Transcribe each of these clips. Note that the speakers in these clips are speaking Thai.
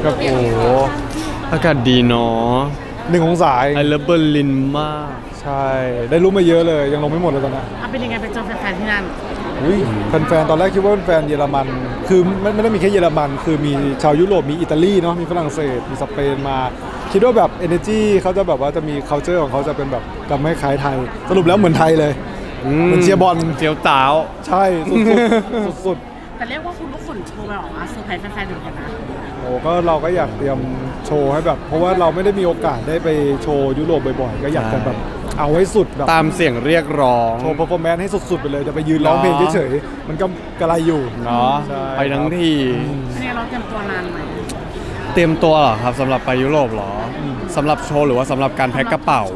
แบบโอ้โหอากาศดีเนาะ 1 องศาไอเลิฟเบอร์ลินมากใช่ได้รู้มาเยอะเลยยังลงไม่หมดเลยตอนนี้เป็นยังไงไปเจอแฟนๆที่นั่นอุ้ยแฟนๆตอนแรกคิดว่าเป็นแฟนเยอรมันคือไม่ได้มีแค่เยอรมันคือมีชาวยุโรปมีอิตาลีเนาะมีฝรั่งเศสมีสเปนมาคิดว่าแบบ energy เขาจะแบบว่าจะมี culture ของเขาจะเป็นแบบจะไม่คล้ายไทยสรุปแล้วเหมือนไทยเลยเหมือนเชียร์บอลเจียวตาวใช่สุดแต่เรียกว่าคุณก็ขนโชว์ไปออกมาเซอร์ไพรส์แฟนๆอยู่กันนะๆโอ้ก็เราก็อยากเตรียมโชว์ให้แบบเพราะว่าเราไม่ได้มีโอกาสได้ไปโชว์ยุโรปบ่อยๆก็อยากจะแบบเอาให้สุดแบบตามเสียงเรียกร้องโชว์ performance ให้สุดๆไปเลยจะไปยืนร้องเพลงเฉยๆมันก็กระไรอยู่เนาะไปทั้งทีนี่เราเตรียมตัวนานไหมเตรียมตัวเหรอครับสำหรับไปยุโรปเหรอสำหรับโชว์หรือว่าสำหรับการแพ็คกระเป๋า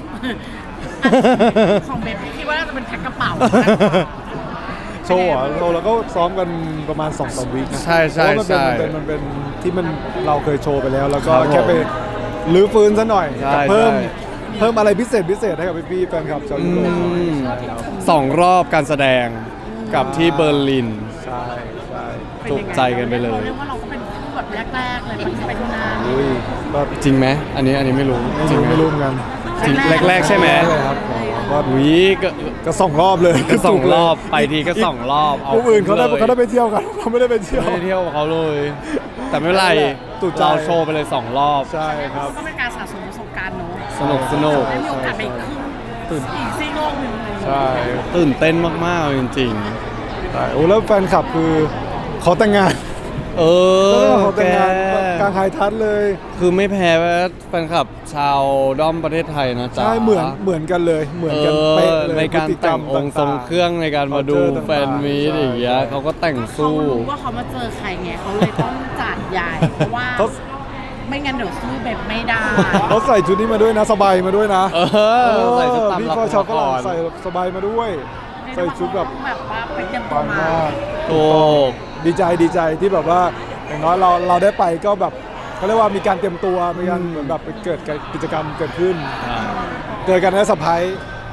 ของเบฟคิดว่าน่าจะเป็นแพ็คกระเป๋าโชว์แล้วก็ซ้อมกันประมาณ 2-3 วีคนะใช่ใช่ใช่มันเป็นที่เราเคยโชว์ไปแล้วแล้วก็แค่ไปรื้อฟื้นซะหน่อยเพิ่มอะไรพิเศษให้กับพี่ๆแฟนคลับชาวยุโรป 2 รอบการแสดงกับที่เบอร์ลินใช่จุใจกันไปเลยเรียกว่าเราก็เป็นคู่แบบแรกๆเลยไปที่นั่นจริงไหมอันนี้ไม่รู้จริงไม่รู้เหมือนกันจริงแรกใช่ไหมครับก็ก็2 รอบเลยก็2 รอบไปทีก็2 รอบผู้อื่นเขาได้ไปเที่ยวกันเขาไม่ได้ไปเที่ยวเขาเลยแต่ไม่เป็นไรเราโชว์ไปเลย2 รอบใช่ครับก็เป็นการสะสมประสบการณ์เนาะสนุกได้มีโอกาสไปขึ้นอีกซีโลกหนึ่งใช่ตื่นเต้นมากๆจริงๆใช่โอ้แล้วแฟนคลับคือขอแต่งงานขอแต่งงานกลางไฮทัชเลยคือไม่แพ้แฟนคลับชาวด้อมประเทศไทยนะจ๊ะใช่เหมือนกันเลยเหมือนกันเป๊ะเลยในการแต่งองค์ทรงเครื่องในการมาดูแฟนมีตอย่างเงี้ยเขาก็แต่งสู้เขารู้ว่าเขามาเจอใครไงเขาเลยต้องจัดใหญ่เพราะว่าไม่งั้นเดี๋ยวสู้แบบไม่ได้เขาใส่ชุดนี้มาด้วยนะสบายมาด้วยนะใส่ชุดตามพี่ชาวฝรั่งใส่สบายมาด้วยใส่ชุดแบบว่าไปเตรียมตัวมาถูกดีใจที่แบบว่าอย่างน้อยเราได้ไปก็แบบเขาเรียกว่ามีการเตรียมตัวมีการเหมือนแบบเกิดกิจกรรมเกิดขึ้นเจอกันในสะพาย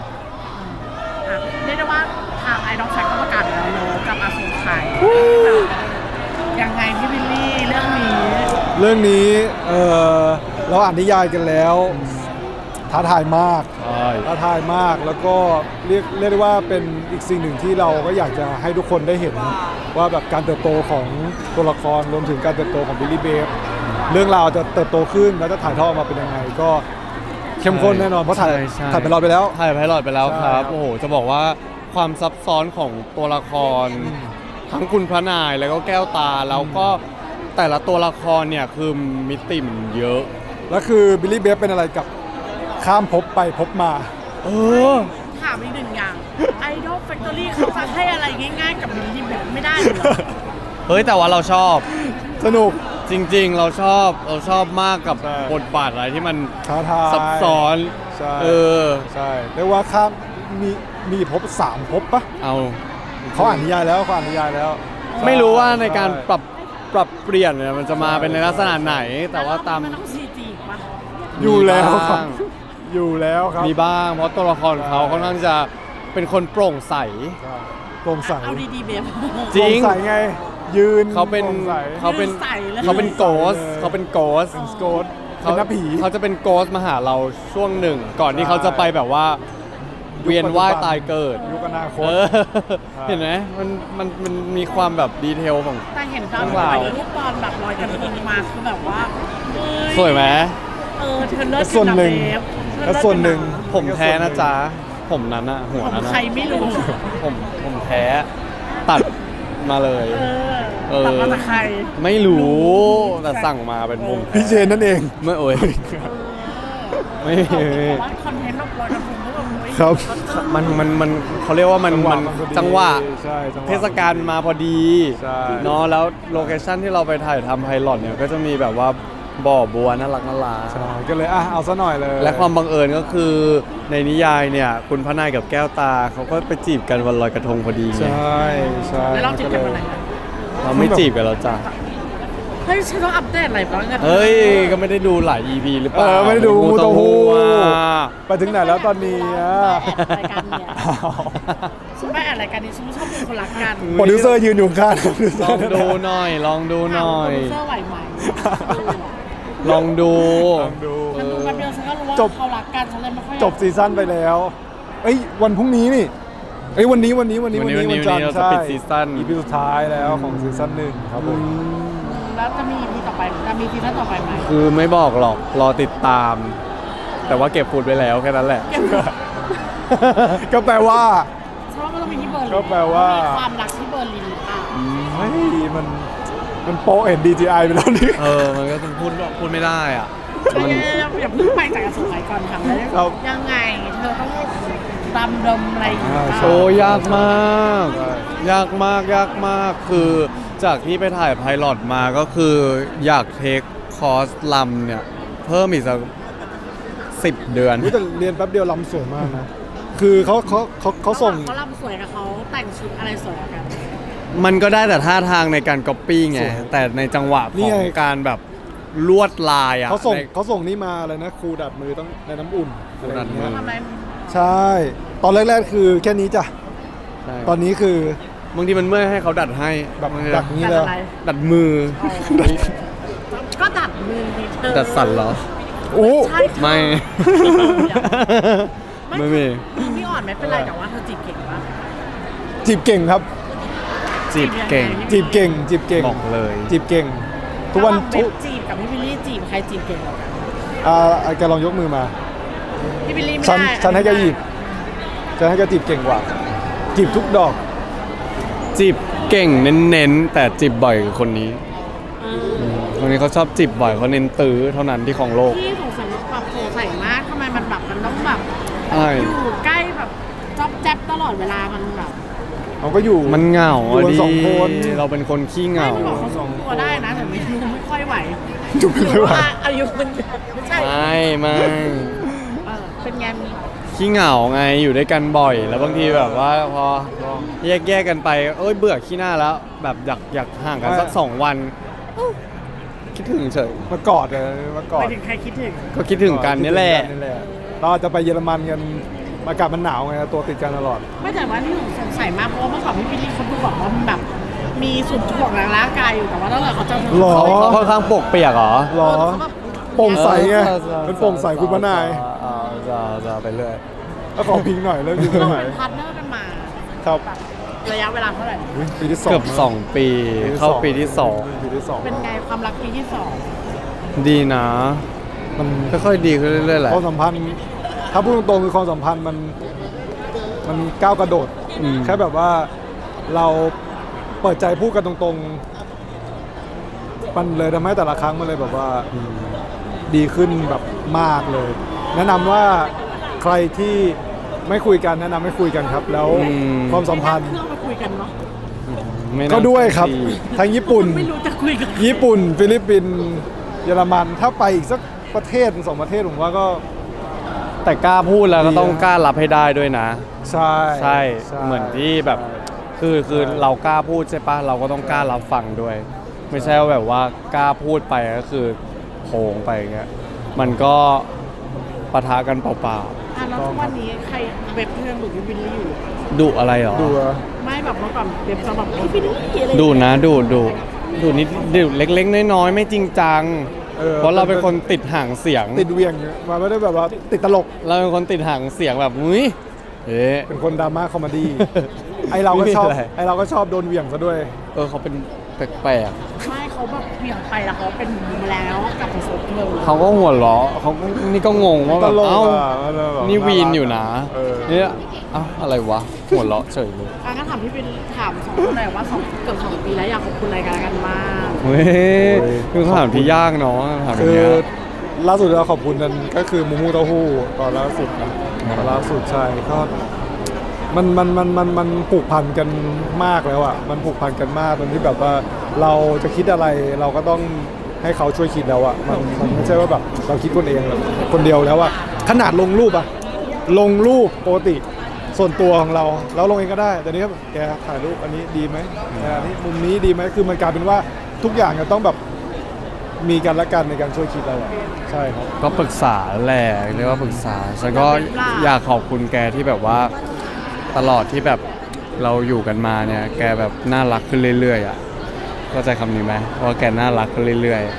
เรียกได้ว่าทางไอดอลแฟคก็ประกาศแล้วโนกับอาสุไทยยังไงพี่วิลลี่เรื่องนี้เราอ่านนิยายกันแล้วท้าทายมากแล้วก็เรียกได้ว่าเป็นอีกสิ่งหนึ่งที่เราก็อยากจะให้ทุกคนได้เห็นว่าแบบการเติบโตของตัวละครรวมถึงการเติบโตของบิลลี่เบฟเรื่องราวจะเติบโตขึ้นแล้วจะถ่ายทอดออกมาเป็นยังไงก็เข้มข้นแน่นอนเพราะถ่ายไพลอตไปแล้วครับโอ้โหจะบอกว่าความซับซ้อนของตัวละครทั้งคุณพระนายแล้วก็แก้วตาแล้วก็แต่ละตัวละครเนี่ยคือมิติมันเยอะแล้วคือบิลลี่เบฟเป็นอะไรกับข้ามภพไปภพมาถามอีกหนึ่งอย่างไอดอลแฟคทอรี่เขาจะให้อะไรง่ายๆกับบิลลี่เบฟไม่ได้หรอเฮ้ยแต่ว่าเราชอบสนุกจริงๆเราชอบมากกับบทบาทอะไรที่มันท้าทายซับซ้อนใช่เรียกว่าข้ามมีภพ3 ภพปะเขาอ่านนิยายแล้วไม่รู้ว่าในการปรับเปลี่ยนเนี่ยมันจะมาเป็นในลักษณะไหนแต่ว่าตามมันต้องซีจีป่ะอยู่แล้วครับมีบ้างเพราะตัวละครเขาค่อนข้างจะเป็นคนโปร่งใสเอาดีๆเบฟจริงใสไงยืนเขาเป็นโกสเป็นนักผีเขาจะเป็นโกสมาหาเราช่วงหนึ่งก่อนที่เขาจะไปแบบว่าเวียนว่ายตายเกิดยุคอนาคตเห็นไหมมันมีความแบบดีเทลของแต่เห็นตอนไปรูปตอนแบบลอยกระทงมาคือแบบว่าสวยไหมเธอเลิศส่วนหนึ่งผมแท้นะจ๊ะผมนั้นอะหัวนั้นใครไม่รู้ผมแท้ตัดมาเลยตัดมาจากใครไม่รู้แต่สั่งมาเป็นมุมพี่เจนนั่นเองไม่โอ้ยไม่คอนเทนต์ลอยกระทงครับมันเขาเรียกว่ามันจังหวะเทศกาลมาพอดีเนาะแล้วโลเคชั่นที่เราไปถ่ายทำไพลอตเนี่ยก็จะมีแบบว่าบ่อบัวน่ารักก็เลยเอาซะหน่อยเลยและความบังเอิญก็คือในนิยายเนี่ยคุณพระนายกับแก้วตาเขาก็ไปจีบกันวันลอยกระทงพอดีใช่แล้วเราจีบกันวันไหนเราไม่จีบกันแล้วจ้ะฮ้ยฉันต้องอัปเดตอะไรบ้างกันเฮ้ยก็ไม่ได้ดูหลาย EP หรือเปล่าไม่ได้ดูมูโตฮูอ่ะไปถึงไหนแล้วตอนนี้อะรายการเนี่ยฉันไม่อ่านรายการนี้ฉันไม่ชอบเป็นคนรักกันโปรดิวเซอร์ยืนอยู่ข้างลองดูหน่อย ลองดูหน่อยโปรดิวเซอร์ไหวไหมลองดูลองดูมันดูมาเดียวฉันก็รู้ว่าจบเขารักกันฉันเลยไม่ค่อยจบซีซั่นไปแล้วเอ้ยวันพรุ่งนี้นี่เอ้ยวันนี้วันจันทร์เราจะใช่ปิดซีซั่น EP สุดท้ายแล้วของซีซั่นหนึ่งครับผมแล้วจะมีEPต่อไปจะมีซีซั่นต่อไปไหมคือไม่บอกหรอก รอติดตาม แต่ว่าเก็บฟูดไว้แล้วแค่นั้นแหละก็แปลว่าฉันว่ามันต้องมีที่เบอร์ลินก็แปลว่ามีความรักที่เบอร์ลินหรือเปล่าเฮ้ยมันโปะเห็น DJI ไปแล้วนี่มันก็ต้องพูดไม่ได้อ่ะอย่าเพิ่งไปจากกระทรวงไหนก่อนทำได้ครับยังไงเธอต้องดำดมอะไรอย่างเงี้ยโชว์ยากมาก ยากมาก ยากมาก คือจากที่ไปถ่ายไพลอตมาก็คืออยากเทคคอร์สลำเนี่ย เพิ่มอีกสัก10 เดือนอุ๊ยแต่เรียนแป๊บเดียวลำสวยมากนะ คือเขาส่งเขาลำสวยกับเขาแต่งชุดอะไรสวยกว่ากันมันก็ได้แต่ท่าทางในการก๊อปปี้ไงสวยแต่ในจังหวะนี่ของไงการแบบลวดลายอ่ะเขาส่งในเขาส่งนี่มาอะไรนะครูดัดมือต้องในน้ำอุ่นครูดัดมือะไรย่างทำไมเงี้ยใช่ ตอนแรกๆคือแค่นี้จ้ะใช่ตอนนี้คือบางทีมันเมื่อยให้เขาดัดให้แบบบางทีดัดนี้แต่เลยอะไรดัดมือก็ดัดมือมีเธอดัดสั่นเหรอโอ้ใช่เธอไม่ไม่ไม่มีมือพี่อ่อนไม่เป็นไรแต่ว่าเธอจีบเก่งปะจีบเก่งครับจีบเก่งจีบเก่ง จีบเก่งบอกเลยจีบเก่ง ทุกวันระหางเบสจีบกับพี่บิลลี่จีบใครจีบเก่งกว่ากันแกลองยกมือมาพี่บิลลี่ไม่ฉันได้ฉันให้แกหยิบฉันให้แกจีบเก่งกว่า จีบทุกดอกจีบเก่งเน้นๆ แต่จีบบ่อยกว่าคนนี้เออคนนี้เขาชอบจีบบ่อยเขาเน้นตื้อเท่านั้นที่ของโลกพี่สงสัยแบบสงสัยมากทำไมมันแบบมันต้องแบบใช่อยู่ใกล้แบบจ๊อบแจ๊บตลอดเวลามันแบบเขาก็อยู่มันเหงาอยู่อะกันดิสองคนเราเป็นคนขี้เหไม่งาได้บอกเขาทรงตัวได้นะแต่ไม่รู้ไม่ค่อยไหวจุบไม่ไหวรือว่าอายุมันไม่ใช่ไม่เป็นไงมีขี้เหงาไงอยู่ด้วยกันบ่อย แล้วบางทีแบบว่าพอแยกกันไปเอ้ยเบื่อขี้หน้าแล้ว แบบอยากห่างกันสัก2 วันคิดถึงเฉยมากอดเลยมากอไปดถึงใครคิดถึงก็คิดถึงกันนี่แหละเราจะไปเยอรมันกันอากาศมันหนาวไงตัวติดกันตลอดไม่แต่ว่าที่หนูสงสัยมากเพราะว่าเมื่อก่อนพี่บิลลี่เขาดูบอกว่ามันแบบมีส่วนถ่วงทางร่างกายอยู่แต่ว่าตั้งแต่เขาจะหรอเขาค่อนข้างปกเปียกเหรอหรอเขาแบบโปร่งใสไงเออมันโปร่งใสคุณพระนายจะไปเรื่อยแล้วขอพิงหน่อยแล้วพิงเราหน่อยเป็นพาร์ทเนอร์กันมาครับแบบระยะเวลาเท่าไหร่อุ๊ยปีที่สองเกือบ2 ปีเข้าปีที่ปีที่สองเป็นไงความรักปีที่สอง 2 ดีนะมันค่อยๆดีขึ้นเรื่อยๆแหละความสัมพันธ์ถ้าพูดตรงๆคือความสัมพันธ์มันก้าวกระโดดอืมแค่แบบว่าเราเปิดใจพูดกันตรงๆ มันเลยทำให้แต่ละครั้งมันเลยแบบว่าดีขึ้นแบบมากเลย แนะนำว่าใครที่ไม่คุยกันแนะนำให้คุยกันครับ แล้วความสัมพันธ์เครื่องไปคุยกันเนาะไม่น่าก็ด้วยครับดีทั้งญี่ปุ่นไม่รู้จะคุยกันญี่ปุ่น ฟิลิปปินส์เยอรมันถ้าไปอีกสักประเทศหนึ่ง2 ประเทศผมว่าก็แต่กล้าพูดแล้วก็ต้องดีนะกล้ารับให้ได้ด้วยนะใช่ใช่เหมือนที่แบบคือเรากล้าพูดใช่ปะเราก็ต้องกล้ารับฟังด้วย ไม่ใช่ว่าแบบว่ากล้าพูดไปก็คือโผงไปอย่างเงี้ยมันก็ปะทะกันเปล่าอ่ะแล้วทุกวันนี้ใครเว็บเพื่อนหรือพี่บิลลี่อยู่ๆดุอะไรหรอดูอะไม่แบบเมื่อก่อนเว็บจะแบบพี่บิลลี่อะไรดุนะดุนิดดุเล็กๆน้อยๆไม่จริงจัง เพราะเราเป็นคนติดหางเสียงติดเวียงเนี่ยมาไม่ได้แบบว่าติดตลกเราเป็นคนติดหางเสียงแบบอุ้ยเอ๊ะเป็นคนดราม่าคอมเมดี้ ไอเราก็ชอบไม่มีอะไรไอเราก็ชอบโดนเหวี่ยงซะด้วยเขาเป็นแปลกไม่เขาแบบเบี่ยงไปแล้วเขาเป็นบูมแล้วกลับมาโซเทิลๆเขาก็หัวเราะเขาก็นี่ก็งงว่าตแบบลกเอ้าอ่ะมันแบบนี่วีนอยู่นะเออเนี่ยเอ้าอะไรวะ หัวเราะเฉยเลยอ่ะก็ถามพี่บิลถามสองคนหน่อยว่าเกือบ2 ปีแล้วอยากขอบคุณอะไรกันมากเฮ้ยคือคำถามที่ยากเนาะคำถามคืเนี้อย ล่าสุดเราขอบคุณกันก็คือมูมูเต้าหู้ตอนล่าสุดนะตอนล่าสุดใช่ก็มันผูกพันกันมากแล้วอ่ะมันผูกพันกันมากตอนที่แบบว่าเราจะคิดอะไรเราก็ต้องให้เขาช่วยคิดแล้วอ่ะมันไม่ใช่ว่าแบบเราคิดคนเองแบบคนเดียวแล้วอ่ะขนาดลงรูปอ่ะลงรูปปกติส่วนตัวของเราลงเองก็ได้แต่นี้ก็แบบแกถ่ายรูปอันนี้ดีไหมอันนี้มุมนี้ดีไหมคือมันกลายเป็นว่าทุกอย่างจะต้องแบบมีกันและกันในการช่วยคิดเราอะใช่ครับก็ปรึกษาแหละเรียกว่าปรึกษาฉันก็อยากขอบคุณแกที่แบบว่าตลอดที่แบบเราอยู่กันมาเนี่ยแกแบบน่ารักขึ้นเรื่อยๆอ่ะเข้าใจคำนี้ไหมว่าแกน่ารักขึ้นเรื่อย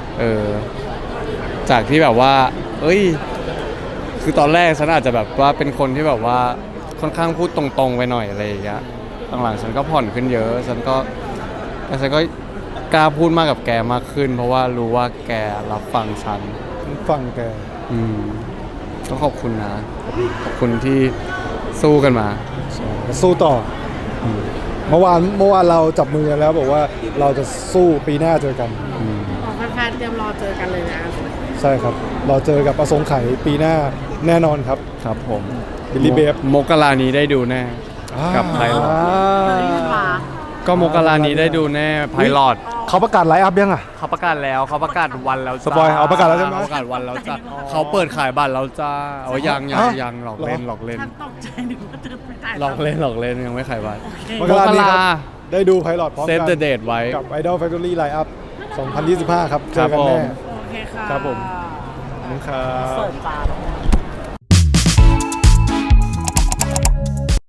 ๆจากที่แบบว่าเอ้ยคือตอนแรกฉันอาจจะแบบว่าเป็นคนที่แบบว่าค่อนข้างพูดตรงๆไปหน่อยอะไรอย่างเงี้ยหลังๆฉันก็ผ่อนขึ้นเยอะฉันก็กล้าพูดมากกับแกมากขึ้น เพราะว่ารู้ว่าแกรับฟังฉันฟังแกก็ขอบคุณนะ ขอบคุณที่สู้กันมาสู้ต่ออเมื่อวานเราจับมือกันแล้วบอกว่าเราจะสู้ปีหน้าเจอกันแฟนๆเตรียมรอเจอกันเลยนะใช่ครับ เราเจอกับอสงไขยปีหน้าแน่นอนครับครับผมบิลลี่เบฟมกรานี้ได้ดูแน่ กับไพลอต ก็มกรานี้ได้ดูแน่ไพลอตเขาประกาศไลฟ์อัพยังอ่ะเขาประกาศแล้วเขาประกาศวันแล้วจ้าสปอยเอาประกาศแล้วใช่ไหมเขาประกาศวันแล้วจ้าเขาเปิดขายบัตรแล้วจ้าเอายังหลอกเล่นฉันตกใจนึกว่าจะไปถ่ายหลอกเล่นยังไม่ขายบัตรมกรานี้ครับได้ดูไพลอตพร้อมเซฟกัเดอะเดทไว้กับ Idol Factory Line Up 2025 ครับเจอกันแน่โอเคค่ะครับผม ขอบคุณครับเสิร์ฟจาน